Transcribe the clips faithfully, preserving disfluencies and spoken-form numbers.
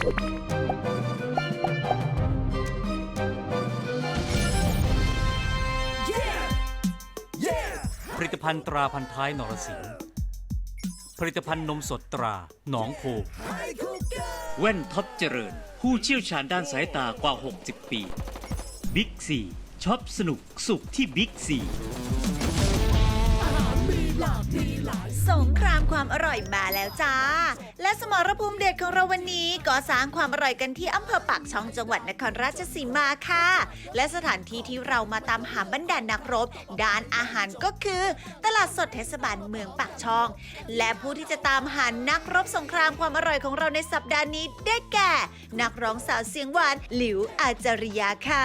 ผลิตภัณฑ์ตราพันท้ายนรสิงห์ผลิตภัณฑ์นมสดตราหนองโพแว่นท็อปเจริญผู้เชี่ยวชาญด้านสายตากว่า หกสิบ ปีบิ๊กซีช็อปสนุกสุขที่บิ๊กซีสงครามความอร่อยมาแล้วจ้าและสมรภูมิเด็ดของเราวันนี้ก็สร้างความอร่อยกันที่อำเภอปากช่องจังหวัดนครราชสีมาค่ะและสถานที่ที่เรามาตามหาบรรดานักรบด้านอาหารก็คือตลาดสดเทศบาลเมืองปากช่องและผู้ที่จะตามหานักรบสงครามความอร่อยของเราในสัปดาห์นี้ได้แก่นักร้องสาวเสียงหวานหลิวอาจาริยาค่ะ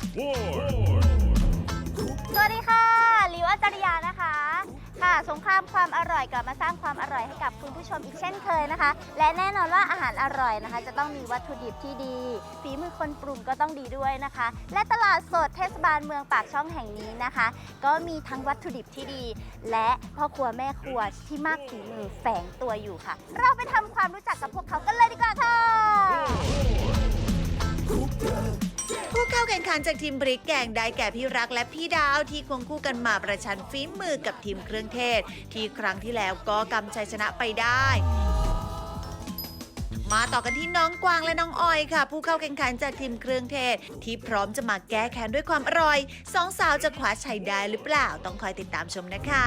สวัสดีค่ะหลิวอาจาริยานะคะค่ะสงครามความอร่อยกลับมาสร้างความอร่อยให้กับคุณผู้ชมอีกเช่นเคยนะคะและแน่นอนว่าอาหารอร่อยนะคะจะต้องมีวัตถุดิบที่ดีฝีมือคนปรุงก็ต้องดีด้วยนะคะและตลาดสดเทศบาลเมืองปากช่องแห่งนี้นะคะก็มีทั้งวัตถุดิบที่ดีและพ่อครัวแม่ครัวที่มากฝีมือแฝงตัวอยู่ค่ะเราไปทำความรู้จักกับพวกเขากันเลยดีกว่าค่ะผู้เข้าแข่งขันจากทีมพริกแกงได้แก่พี่รักและพี่ดาวที่ควงคู่กันมาประชันฝีมือกับทีมเครื่องเทศที่ครั้งที่แล้วก็กำชัยชนะไปได้มาต่อกันที่น้องกวางและน้องออยค่ะผู้เข้าแข่งขันจากทีมเครื่องเทศที่พร้อมจะมาแก้แค้นด้วยความอร่อยสองสาวจะคว้าชัยได้หรือเปล่าต้องคอยติดตามชมนะคะ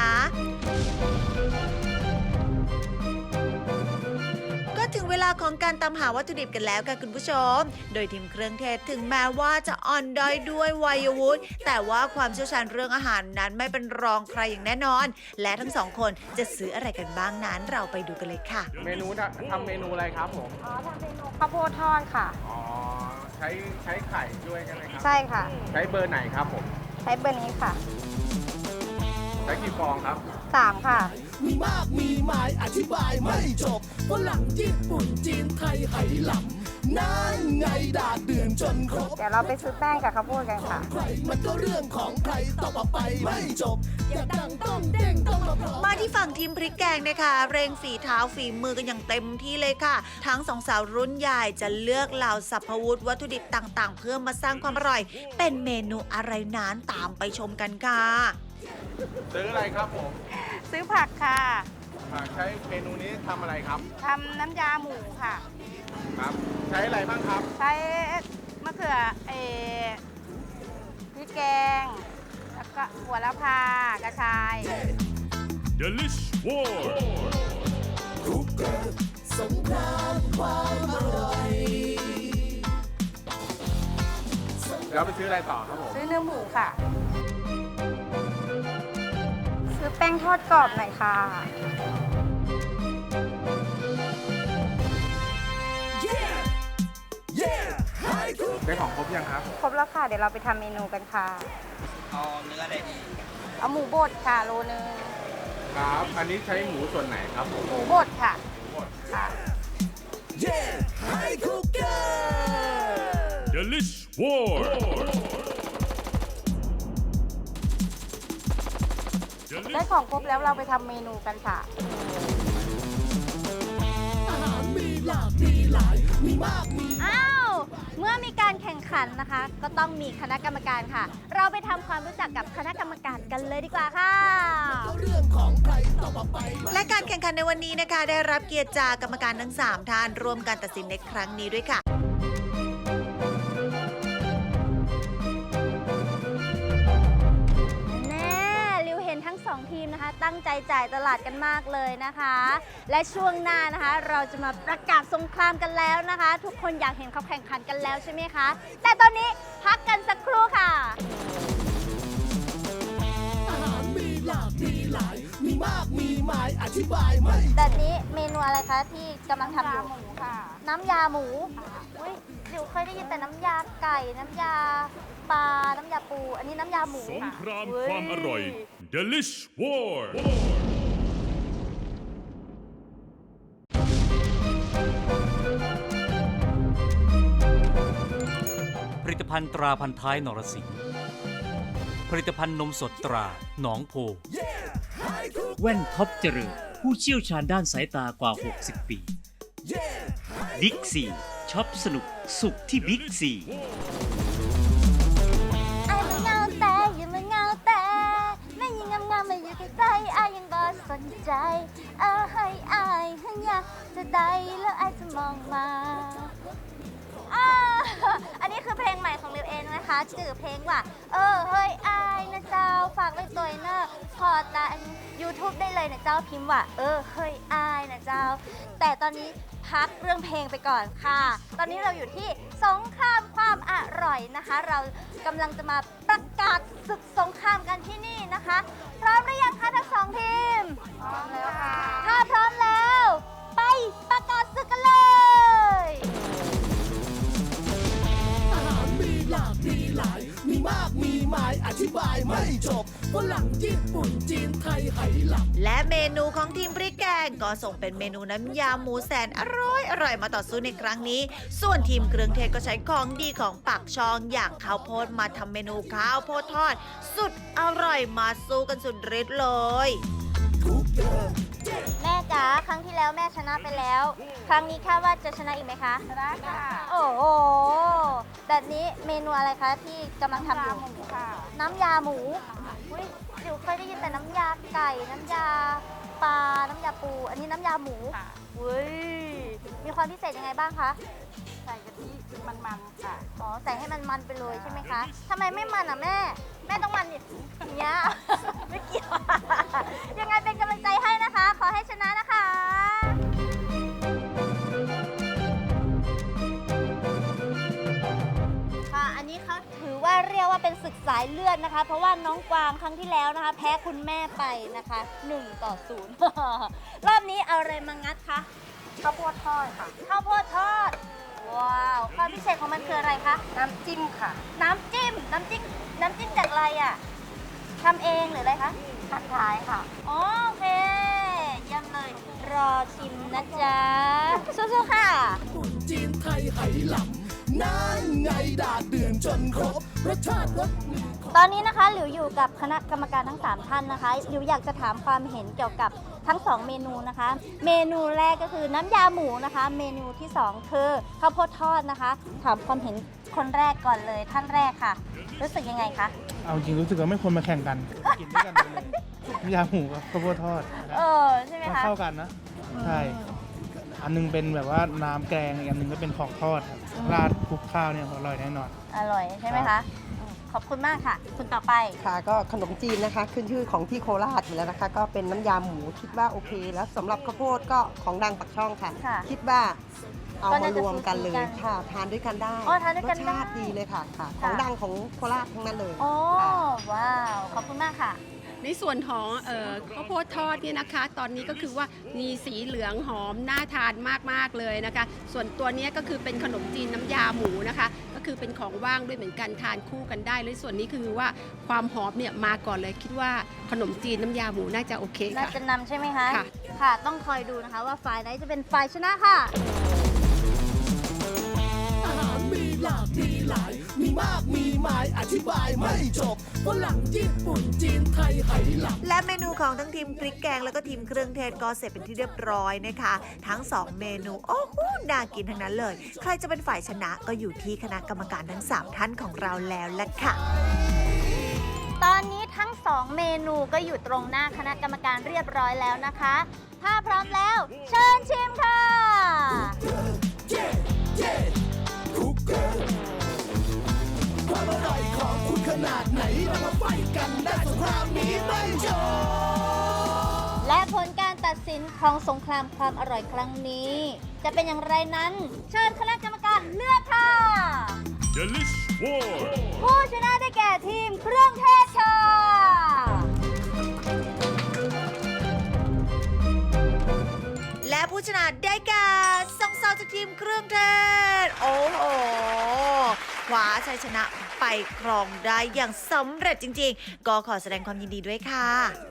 ถึงเวลาของการตามหาวัตถุดิบกันแล้วค่ะคุณผู้ชมโดยทีมเครื่องเทศถึงแม้ว่าจะอ่อนด้อยด้วยวัยวุฒิแต่ว่าความเชี่ยวชาญเรื่องอาหารนั้นไม่เป็นรองใครอย่างแน่นอนและทั้งสองคนจะซื้ออะไรกันบ้างนั้นเราไปดูกันเลยค่ะเมนูทำเมนูอะไรครับผมอ๋อทำเมนูข้าวโพดทอดค่ะอ๋อใช้ใช้ไข่ด้วยใช่ไหมครับใช่ค่ะใช้เบอร์ไหนครับผมใช้เบอร์นี้ค่ะใช้กี่ฟองครับสามค่ะมีมากมีหมายอธิบายไม่จบฝรั่งญี่ปุ่นจีนไทยไหหลำนั่นไงดาดเดือนจนครบเดี๋ยวเราไปซื้อแป้งกับข้าวโพดกันค่ะใครมันก็เรื่องของใครต่อไปไม่จบอย่าดังต้องเด้งต้องมาพร้อมมาที่ฝั่งทีมพริกแกงนะคะเร่งฝีเท้าฝีมือกันอย่างเต็มที่เลยค่ะทั้งสองสาวรุ่นใหญ่จะเลือกเหล่าสรรพวุธวัตถุดิบต่างๆเพื่อมาสร้างความอร่อยเป็นเมนูอะไรนั้นตามไปชมกันค่ะซื้ออะไรครับผมซื้อผักค่ะผักใช้เมนูนี้ทำอะไรครับทำน้ำยาหมูค่ะครับใช้อะไรบ้างครับใช้มะเขือเอพริกแกงแล้วก็หัวละพากระชาย Delish War คุกเกอร์สงครามความอร่อยแล้วไปซื้ออะไรต่อครับผมซื้อเนื้อหมูค่ะซื้อแป้งทอดกรอบหน่อยค่ะได้ของครบยังครับครบแล้วค่ะเดี๋ยวเราไปทำเมนูกันค่ะเอาเนื้อได้ดีเอาหมูบดค่ะโลนึงครับอันนี้ใช้หมูส่วนไหนครับผมหมูบดค่ะหมูบดค่ะ Delish War ได้ของครบแล้วเราไปทำเมนูกันค่ะอาหารมีหลากมีหลายมีมากมีอ้าวเมื่อมีการแข่งขันนะคะก็ต้องมีคณะกรรมการค่ะเราไปทำความรู้จักกับคณะกรรมการกันเลยดีกว่าค่ะเรื่องของใครต่อไปและการแข่งขันในวันนี้นะคะได้รับเกียรติจากกรรมการทั้งสามท่านร่วมการตัดสินในครั้งนี้ด้วยค่ะสองทีมนะคะตั้งใจจ่ายตลาดกันมากเลยนะคะและช่วงหน้านะคะเราจะมาประกาศสงครามกันแล้วนะคะทุกคนอยากเห็นเขาแข่งขันกันแล้วใช่ไหมคะแต่ตอนนี้พักกันสักครู่ค่ะอาหารมีหลากมีหลายมีมากมีหมายอธิบายไม่แต่นี้เมนูอะไรคะที่กำลังทำอยู่น้ำยาหมูค่ะน้ำยาหมูอุ้ยเดี๋ยวเคยได้ยินแต่น้ำยาไก่น้ำยาปลาน้ำยาปูอันนี้น้ำยาหมูสงครามความอร่อย Delish War ผลิตภัณฑ์ตราพันท้ายนรสิงห์ผลิตภัณฑ์นมสดตราหนองโพแว่นท็อปเจริญผู้เชี่ยวชาญด้านสายตากว่า หกสิบ ปีบิ๊กซีช็อปสนุกสุขที่บิ๊กซีไอ้มันเงาแต่ยังมันเงาแต่แม่ยังงามงามมาอยู่ใกล้ๆไอ้ยังบ่สนใจเอาให้ไอ้หันอยากจะได้แล้วไอ้จะมองมาอ่าอันนี้คือเพลงใหม่ของลิวเองนะคะชื่อเพลงว่าเออเฮ้ยไอ้นะเจ้าฝากไว้ตัวเนอะพอตา YouTube ได้เลยนะเจ้าพิมพ์ว่าเออเฮ้ยไอ้นะเจ้าแต่ตอนนี้พักเรื่องเพลงไปก่อนค่ะตอนนี้เราอยู่ที่สงครามความอร่อยนะคะเรากำลังจะมาประกาศศึกสงครามกันที่นี่นะคะพร้อมหรือยังคะทั้งสองทีมพร้อมแล้วค่ะถ้าพร้อมแล้วไปประกาศศึกกันเลยอาหารมีหลากมีหลาย มีมากมีหมายอธิบายไม่จบฝรั่งญี่ปุ่นจีนไทยไหหลำและเมนูของทีมพริกแกงก็ส่งเป็นเมนูน้ำยาหมูแสนอร่อยอร่อยมาต่อสู้ในครั้งนี้ ส่วนทีมเครื่องเทศก็ใช้ของดีของปากช่องอย่างข้าวโพดมาทำเมนูข้าวโพดทอด สุดอร่อยมาสู้กันสุดฤทธิ์เลยแม่จ๋าครั้งที่แล้วแม่ชนะไปแล้ว ครั้งนี้คาดว่าจะชนะอีกไหมคะชนะค่ะโอ้โหแบบนี้เมนูอะไรคะที่กำลังทำอยู่น้ำยาหมูอุ้ยจิ๋วเคยได้ยินแต่น้ำยาไก่น้ำยาปลาน้ำยาปู อันนี้น้ำยาหมูอุ้ยมีความพิเศษยังไงบ้างคะใส่กะทิมันๆค่ะอ๋อใส่ให้มันมันไปเลยใช่ไหมคะทำไมไม่มันอ่ะแม่แม่ต้องมันอย่างเงี้ย ไม่เกี่ยว ยังไงเป็นกำลังใจให้นะคะ ขอให้ชนะนะคะ ค่ะ อันนี้เขาถือว่าเรียกว่าเป็นศึกสายเลือดนะคะ เพราะว่าน้องกวางครั้งที่แล้วนะคะ แพ้คุณแม่ไปนะคะหนึ่งต่อศูนย์ รอบนี้เอาอะไรมางัดคะข้าวโพดทอดค่ะข้าวโพดทอด ว้าว ความพิเศษของมันคืออะไรคะ น้ำจิ้มค่ะ น้ำจิ้ม น้ำจิ้ม น้ำจิ้มจากอะไรอ่ะทำเองหรืออะไรคะทักทายค่ะ โอเคเยี่ยมเลย รอชิมนะจ๊ะ สู้ๆค่ะปุ่นจีนไทยไหหลำนั่นไงดาดเดือนจนครบ รสชาติรสมือตอนนี้นะคะหลิวอยู่กับคณะกรรมการทั้งสามท่านนะคะหลิวอยากจะถามความเห็นเกี่ยวกับทั้งสองเมนูนะคะ เมนูแรกก็คือน้ำยาหมูนะคะ เมนูที่สองคือข้าวโพดทอดนะคะ ถามความเห็นคนแรกก่อนเลยท่านแรกค่ะ รู้สึกยังไงคะเอาจริงรู้สึกว่าไม่ควรมาแข่งกัน กินด้วยกันไปเลยน้ำยาหมูกับข้าวโพดทอดเออใช่ไหมมันคะเข้ากันนะ ใช่ อันนึงเป็นแบบว่าน้ำแกงอีกอันนึงก็เป็นของทอดครับราดคลุกข้าวเนี่ยอร่อยแน่นอนอร่อยใช่ไหมคะอืมขอบคุณมากค่ะ คุณต่อไปค่ะก็ขนมจีนนะคะขึ้นชื่อของที่โคราชอยู่แล้วนะคะ ก็เป็นน้ำยาหมูคิดว่าโอเค แล้วสำหรับข้าวโพดก็ของดังปักช่องค่ะค่ะคิดว่าเอาก็มาน่าจะรวมกันเลยสูสีกันค่ะ ทานด้วยกันได้อ๋อทานด้วยกันรสได้ชาติดีเลยค่ะค่ะค่ะของดังของโคราชทั้งนั้นเลยโอ้ค่ะว้าว ขอบคุณมากค่ะในส่วนของเอ่อข้าวโพดทอดเนี่ยนะคะ ตอนนี้ก็คือว่ามีสีเหลืองหอมน่าทานมากๆเลยนะคะ ส่วนตัวเนี้ยก็คือเป็นขนมจีนน้ำยาหมูนะคะ ก็คือเป็นของว่างด้วยเหมือนกันทานคู่กันได้เลยส่วนนี้คือว่าความหอมเนี่ยมาก่อนเลยคิดว่าขนมจีนน้ำยาหมูน่าจะโอเคน่าค่ะจะนำใช่ไหมคะค่ะค่ะ ต้องคอยดูนะคะว่าฝ่ายไหนจะเป็นฝ่ายชนะค่ะอาหารมีหลากมีหลาย มีมากมีหมายอธิบายไม่จบฝรั่งญี่ปุ่นจีนไทยไหหลำและเมนูของทั้งทีมพริกแกงแล้วก็ทีมเครื่องเทศก็เสร็จเป็นที่เรียบร้อยนะคะ ทั้งสองเมนูโอ้โหน่ากินทั้งนั้นเลย ใครจะเป็นฝ่ายชนะก็อยู่ที่คณะกรรมการทั้งสามท่านของเราแล้วล่ะค่ะตอนนี้ทั้งสองเมนูก็อยู่ตรงหน้าคณะกรรมการเรียบร้อยแล้วนะคะ ถ้าพร้อมแล้ว เชิญชิมค่ะความอร่อยของคุณขนาดไหนเรามาไฟกันได้สงครามนี้ไม่จบและผลการตัดสินของสงครามความอร่อยครั้งนี้ จะเป็นอย่างไรนั้น เชิญคณะกรรมการเลือกค่ะ Delish War ผู้ชนะได้แก่ทีมเครื่องเทศค่ะและผู้ชนะได้แก่สองสาวจากทีมเครื่องเทศ โอ้โหคว้าชัยชนะไปครองได้อย่างสำเร็จจริงๆ ก็ขอแสดงความยินดีด้วยค่ะ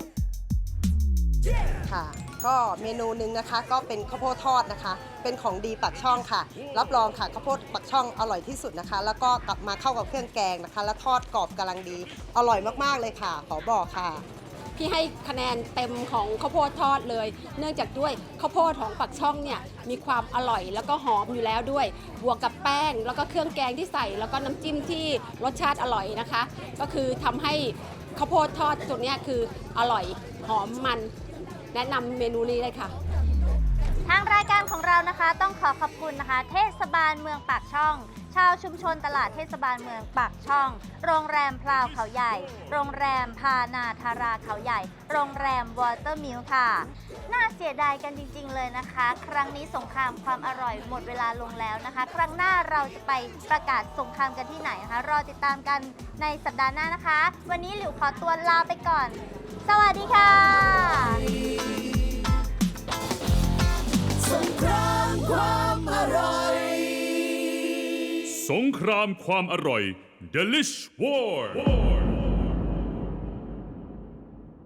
ค่ะ ก็เมนูหนึ่งนะคะก็เป็นข้าวโพดทอดนะคะ เป็นของดีปักช่องค่ะ รับรองค่ะข้าวโพดปักช่องอร่อยที่สุดนะคะ แล้วก็กลับมาเข้ากับเครื่องแกงนะคะ แล้วทอดกรอบกำลังดี อร่อยมากๆเลยค่ะ ขอบอกค่ะพี่ให้คะแนนเต็มของข้าวโพดทอดเลย เนื่องจากด้วยข้าวโพดของปักช่องเนี่ยมีความอร่อยแล้วก็หอมอยู่แล้วด้วย บวกกับแป้งแล้วก็เครื่องแกงที่ใส่แล้วก็น้ำจิ้มที่รสชาติอร่อยนะคะ ก็คือทำให้ข้าวโพดทอดตัวเนี้ยคืออร่อยหอมมันแนะนำเมนูนี้เลยค่ะทางรายการของเรานะคะต้องขอขอบคุณนะคะ เทศบาลเมืองปากช่อง ชาวชุมชนตลาดเทศบาลเมืองปากช่อง โรงแรมพลาวเขาใหญ่ โรงแรมพานาธาราเขาใหญ่ โรงแรมวอเตอร์มิลค่ะ น่าเสียดายกันจริงๆเลยนะคะ ครั้งนี้สงครามความอร่อยหมดเวลาลงแล้วนะคะ ครั้งหน้าเราจะไปประกาศสงครามกันที่ไหนนะคะ รอติดตามกันในสัปดาห์หน้านะคะ วันนี้หลิวขอตัวลาไปก่อน สวัสดีค่ะสงครามความอร่อยสงครามความอร่อย Delish War